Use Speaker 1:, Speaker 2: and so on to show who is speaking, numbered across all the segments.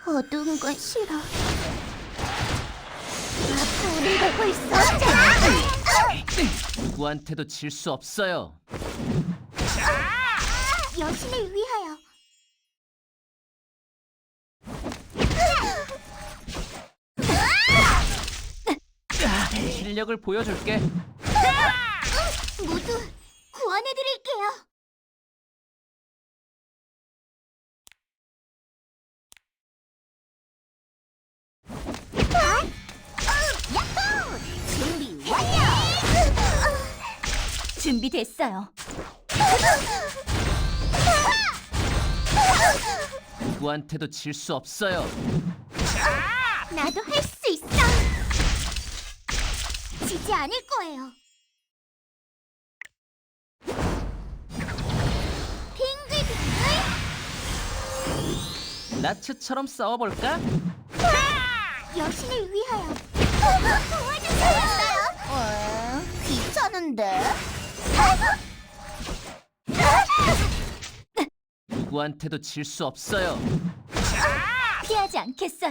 Speaker 1: 어두운 건 싫어. 불이 되고 있어.
Speaker 2: 누구한테도 질 수 없어요.
Speaker 1: 여신을 위하여.
Speaker 2: 실력을 보여줄게.
Speaker 1: 모두 구원해드릴게요. 야호! 준비 완료! 준비됐어요.
Speaker 2: 누구한테도 질 수 없어요.
Speaker 1: 나도 할 수 있어. 지지 않을 거예요. 빙글빙글.
Speaker 2: 나츠처럼 싸워볼까?
Speaker 1: 여신을 위하여. 도와주세요. 귀찮은데.
Speaker 2: 누구한테도 질 수 없어요.
Speaker 1: 피하지 않겠어요.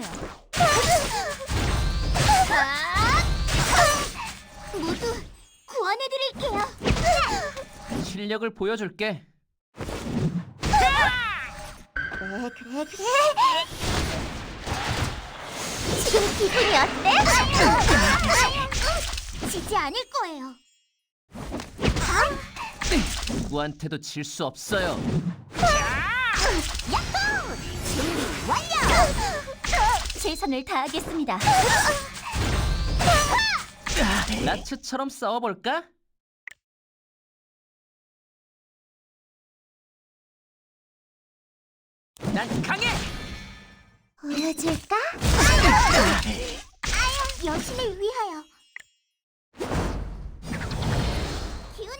Speaker 1: 모두 구원해드릴게요.
Speaker 2: 실력을 보여줄게.
Speaker 1: 그래. 지금 기분이 어때? 지지 않을 거예요.
Speaker 2: 누구한테도 질 수 없어요.
Speaker 1: 야호! 준비 완료! 최선을 다하겠습니다.
Speaker 2: 나츠처럼 싸워볼까? 난 강해!
Speaker 1: 보여줄까? 여신을 위하여. 기훈아!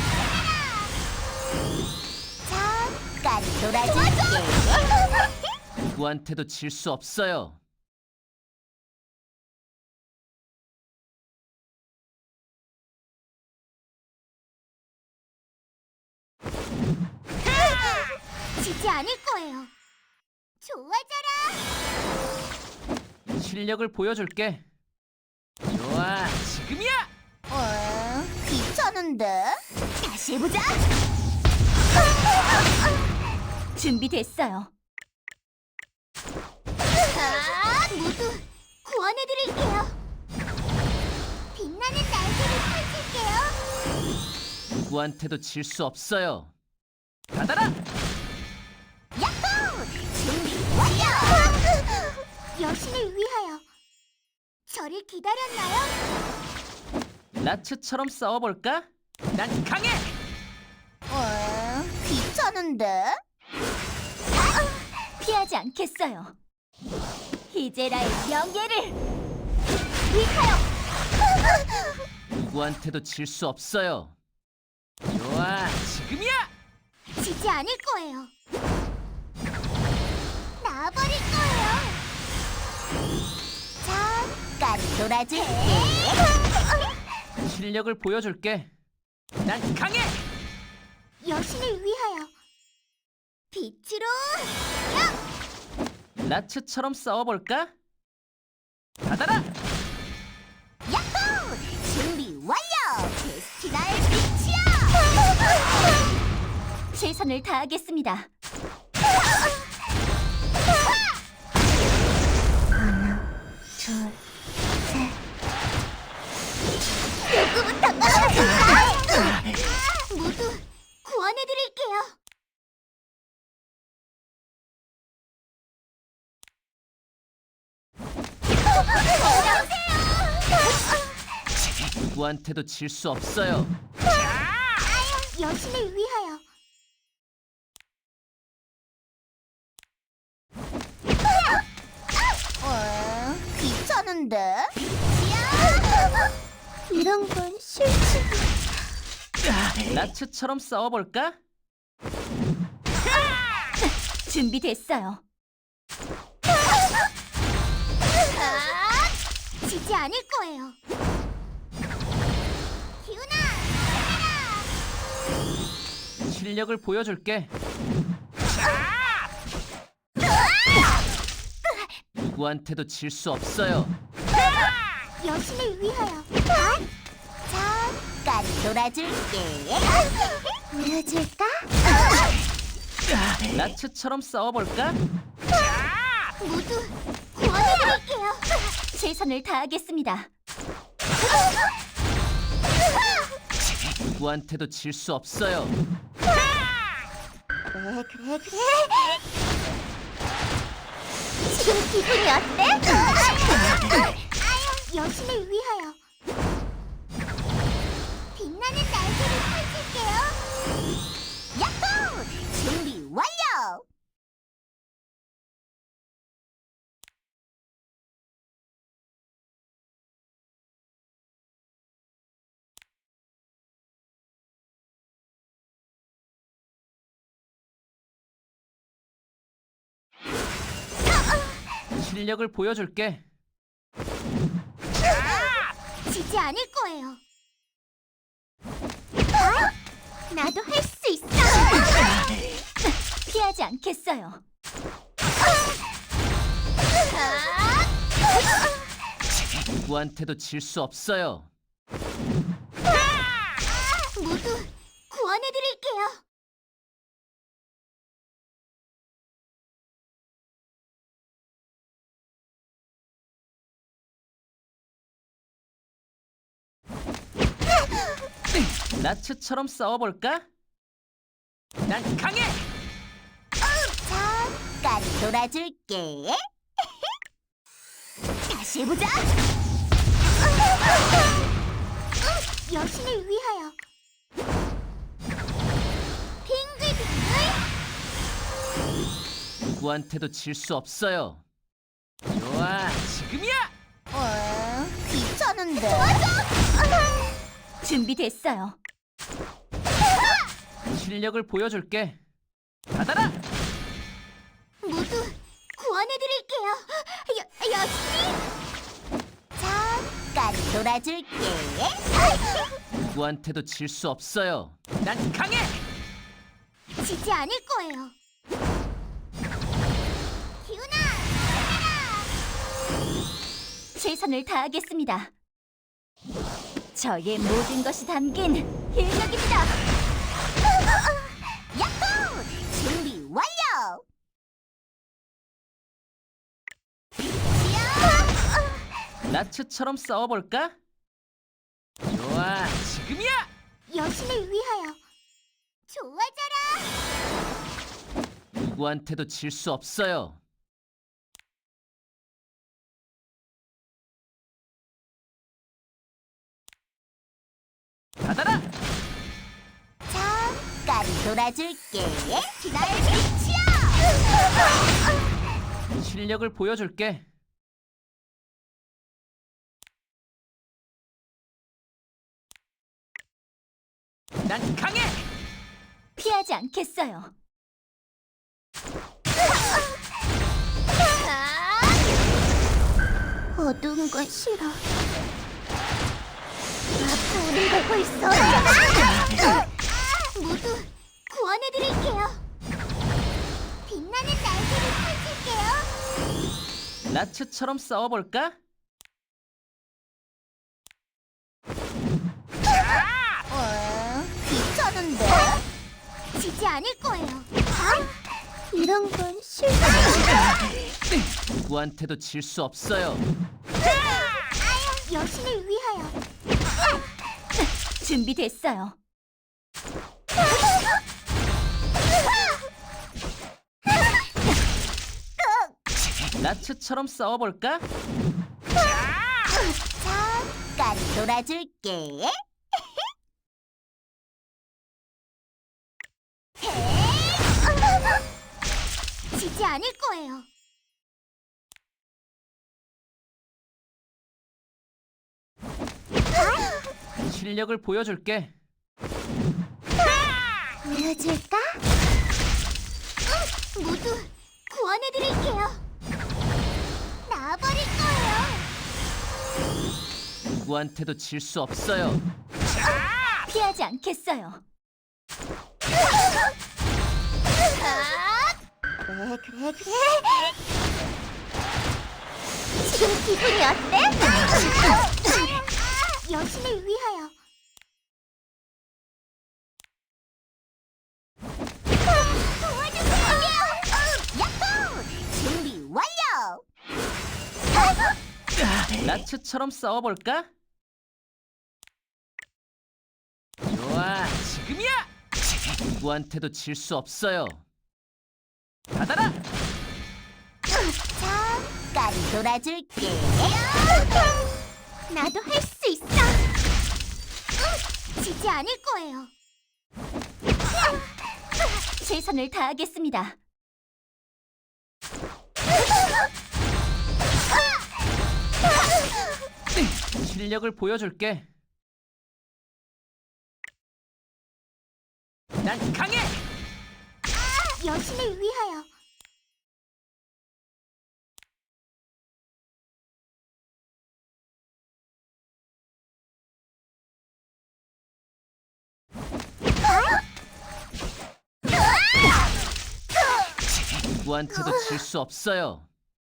Speaker 1: 잠깐 놀아줄게.
Speaker 2: 누구한테도 질 수 없어요.
Speaker 1: 지지 않을 거예요. 좋아져라.
Speaker 2: 실력을 보여줄게. 좋아, 지금이야!
Speaker 1: 귀찮은데? 다시 해보자. 준비됐어요. 모두 구원해드릴게요. 빛나는 날개를 펼칠게요.
Speaker 2: 누구한테도 질 수 없어요. 받아라!
Speaker 1: 야호! 준비 완료! 여신을 위하여. 저를 기다렸나요?
Speaker 2: 나츠처럼 싸워볼까? 난 강해!
Speaker 1: 귀찮은데? 피하지 않겠어요. 히제라의 명예를 위하여.
Speaker 2: 누구한테도 질 수 없어요. 좋아, 지금이야!
Speaker 1: 지지 않을 거예요. 나버릴 거예요. 잠깐 놀아줄게.
Speaker 2: 실력을 보여줄게. 난 강해!
Speaker 1: 여신을 위하여. 빛으로.
Speaker 2: 나츠처럼 싸워볼까? 받아라!
Speaker 1: 야호! 준비 완료! 데스티나의 빛이야! 최선을 다하겠습니다. 하나, 둘, 셋. 누구부터 떨어질까? 모두 구원해드릴게요.
Speaker 2: 누구한테도 질 수 없어요.
Speaker 1: 여신을 위하여. 귀찮은데? 이런 건 싫지.
Speaker 2: 나츠처럼 싸워볼까?
Speaker 1: 준비됐어요. 지지 않을 거예요. 기훈아,
Speaker 2: 실력을 보여줄게. 누구한테도 질 수 없어요.
Speaker 1: 여신을 위하여. 잠깐 놀아줄게. 보여줄까?
Speaker 2: 나츠처럼 싸워볼까?
Speaker 1: 모두 구원해드릴게요.
Speaker 3: 최선을 다하겠습니다.
Speaker 2: 누구한테도 질 수 없어요.
Speaker 1: 그래. 지금 기분이 어때? 여신을 위하여. 빛나는 날개를 펼칠게요. 야호! 준비 완료!
Speaker 2: 실력을 보여줄게.
Speaker 1: 지지 않을 거예요. 나도 할 수 있어.
Speaker 3: 피하지 않겠어요.
Speaker 2: 누구한테도 질 수 없어요.
Speaker 1: 모두 구원해드릴게요.
Speaker 2: 나츠처럼 싸워볼까? 난 강해!
Speaker 1: 잠깐 놀아줄게. 다시 해보자. 여신을 위하여. 빙글빙글.
Speaker 2: 누구한테도 질 수 없어요. 좋아, 지금이야!
Speaker 1: 귀찮은데.
Speaker 3: 준비됐어요.
Speaker 2: 실력을 보여줄게. 받아라!
Speaker 1: 모두 구원해드릴게요. 여신이. 잠깐 놀아줄게.
Speaker 2: 누구한테도 질 수 없어요. 난 강해!
Speaker 1: 지지 않을 거예요. 기훈아,
Speaker 3: 최선을 다하겠습니다. 저의 모든 것이 담긴 일력입니다.
Speaker 1: 야호! 준비 완료!
Speaker 2: 나츠처럼 싸워볼까? 좋아, 지금이야!
Speaker 1: 여신을 위하여. 좋아져라!
Speaker 2: 누구한테도 질 수 없어요. 받아라!
Speaker 1: 잠깐 놀아줄게. 날 빛이야!
Speaker 2: 실력을 보여줄게. 난 강해!
Speaker 3: 피하지 않겠어요.
Speaker 1: 어두운 건 싫어. 불이 되고 있어. 모두 구원해드릴게요. 빛나는 날개를 펼칠게요.
Speaker 2: 나츠처럼 싸워볼까?
Speaker 1: 귀찮은데? 지지 않을 거예요. 이런 건 싫어.
Speaker 2: 누구한테도 질 수 없어요.
Speaker 1: 여신을 위하여.
Speaker 3: 준비됐어요.
Speaker 2: 나츠처럼 싸워볼까?
Speaker 1: 잠깐 놀아줄게. 지지 않을 거예요.
Speaker 2: 실력을 보여줄게.
Speaker 1: 보여줄까? 모두 구원해드릴게요. 나와버릴 거예요.
Speaker 2: 누구한테도 질 수 없어요.
Speaker 3: 피하지 않겠어요.
Speaker 1: 그래. 지금 기분이 어때? 여신을 위하여. 도와주세요. 야호! 준비 완료.
Speaker 2: 나츠처럼 싸워볼까? 좋아, 지금이야! 누구한테도 질 수 없어요. 받아라!
Speaker 1: 잠깐 놀아줄게. 나도 할 수 있어. 지지 않을 거예요.
Speaker 3: 최선을 다하겠습니다.
Speaker 2: 실력을 보여줄게. 난 강해!
Speaker 1: 여신을 위하여.
Speaker 2: 누구한테도 질 수 없어요.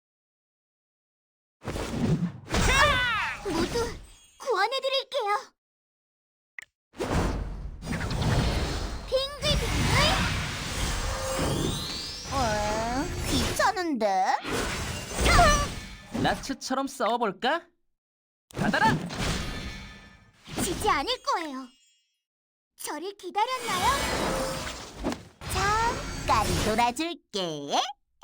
Speaker 1: 모두 구원해드릴게요. 빙글빙글. 귀찮은데?
Speaker 2: 나츠처럼 싸워볼까? 받아라!
Speaker 1: 지지 않을 거예요. 저를 기다렸나요? 잠깐 놀아줄게.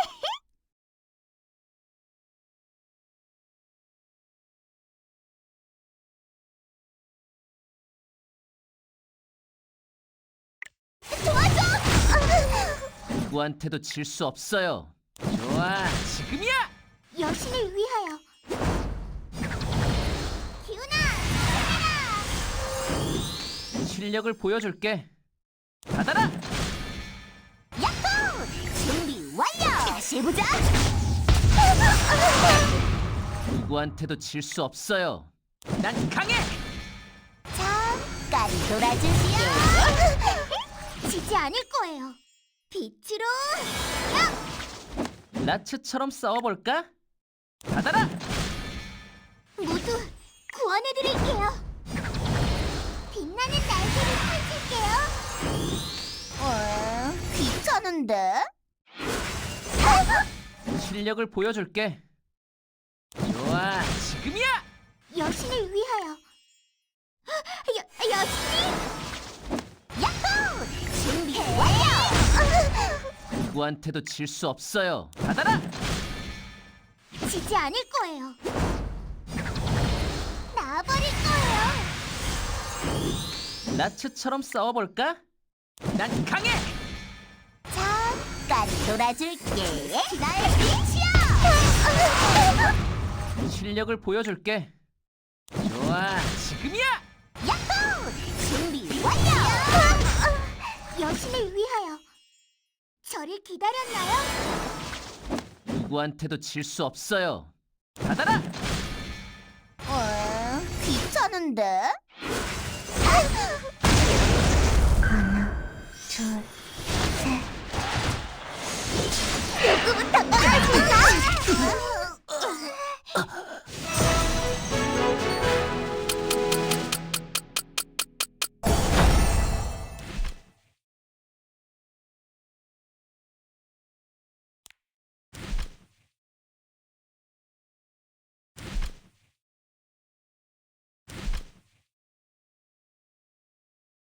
Speaker 1: 도와줘!
Speaker 2: 누구한테도 질 수 없어요. 좋아, 지금이야!
Speaker 1: 여신을 위하여. 기훈아,
Speaker 2: 실력을 보여줄게. 받아라!
Speaker 1: 야호! 준비 완료! 다시 해보자!
Speaker 2: 누구한테도 질 수 없어요. 난 강해!
Speaker 1: 잠깐 놀아줄게. 지지 않을 거예요. 빛으로
Speaker 2: 나츠처럼 싸워볼까? 받아라!
Speaker 1: 모두 구원해드릴게요. 빛나는 날개를 펼칠게요. 귀찮은데?
Speaker 2: 실력을 보여줄게. 좋아, 지금이야!
Speaker 1: 여신을 위하여. 여신이? 야호! 준비 완료!
Speaker 2: 누구한테도 질 수 없어요. 받아라!
Speaker 1: 지지 않을 거예요. 나버릴 거예요.
Speaker 2: 나츠처럼 싸워볼까? 난 강해!
Speaker 1: 잠깐 놀아줄게. 나의 빛이야!
Speaker 2: 실력을 보여줄게. 좋아, 지금이야!
Speaker 1: 야호! 준비 완료! 여신을 위하여. 저를 기다렸나요?
Speaker 2: 누구한테도 질 수 없어요. 받아라!
Speaker 1: 귀찮은데?